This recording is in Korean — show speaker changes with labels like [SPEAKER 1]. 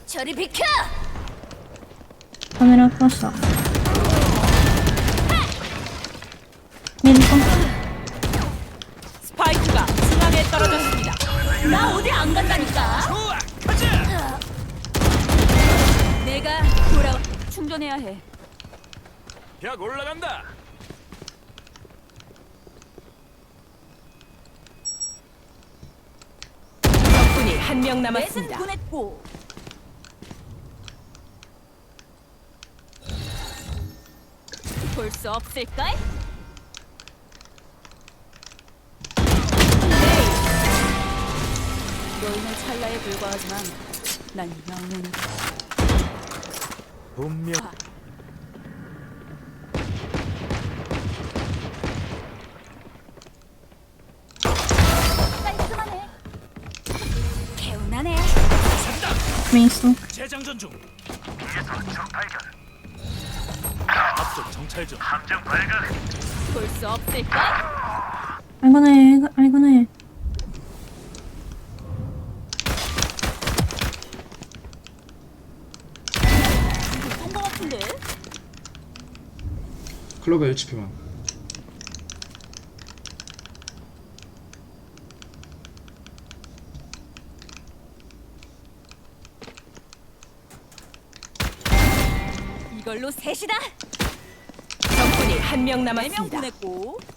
[SPEAKER 1] 저리 비켜!
[SPEAKER 2] 카메라 껐어. 밀고.
[SPEAKER 3] 스파이크가 중앙에 떨어졌습니다.
[SPEAKER 1] 나 어디 안 간다니까.
[SPEAKER 4] 좋아, 가자.
[SPEAKER 3] 내가 돌아 충전해야 해.
[SPEAKER 4] 벽 올라간다.
[SPEAKER 3] 적군이 한 명
[SPEAKER 1] 매슨
[SPEAKER 3] 남았습니다.
[SPEAKER 1] 보냈고. 볼 수 없을까? 너희는 찰나에 불과하지만 난 영원이다.
[SPEAKER 4] 분명
[SPEAKER 1] 깔끔하네. 개운하네.
[SPEAKER 2] 메이스.
[SPEAKER 4] 재장전 중. 앞쪽 정찰 중.
[SPEAKER 1] 볼 수 없을까?
[SPEAKER 2] 알고네, 알고네.
[SPEAKER 1] 쏜거 같은데?
[SPEAKER 5] 클로버 HP만.
[SPEAKER 1] 이걸로 셋이다.
[SPEAKER 3] 적군이 한 명
[SPEAKER 1] 4명
[SPEAKER 3] 남았습니다.
[SPEAKER 1] 보냈고.